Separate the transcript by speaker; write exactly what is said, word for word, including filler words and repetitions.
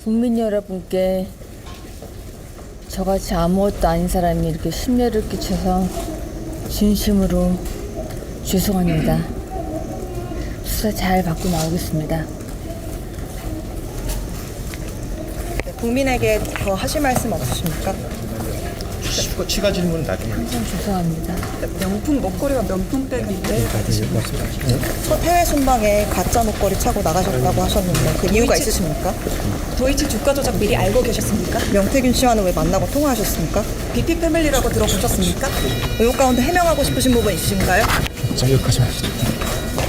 Speaker 1: 국민 여러분께 저같이 아무것도 아닌 사람이 이렇게 심려를 끼쳐서 진심으로 죄송합니다. 수사 잘 받고 나오겠습니다.
Speaker 2: 네, 국민에게 더 하실 말씀 없으십니까?
Speaker 3: 추가, 추가 질문은 나중에.
Speaker 1: 항상 죄송합니다.
Speaker 4: 명품 목걸이와 명품백인데
Speaker 2: 첫 해외 순방에 가짜 목걸이 차고 나가셨다고 하셨는데 그 이유가 있으십니까?
Speaker 4: 도이치 주가 조작 미리 알고 계셨습니까?
Speaker 2: 명태균 씨와는 왜 만나고 통화하셨습니까?
Speaker 4: 비피 패밀리라고 들어보셨습니까?
Speaker 2: 의혹 가운데 해명하고 싶으신 부분 있으신가요?
Speaker 3: 자, 여기까지 하시죠.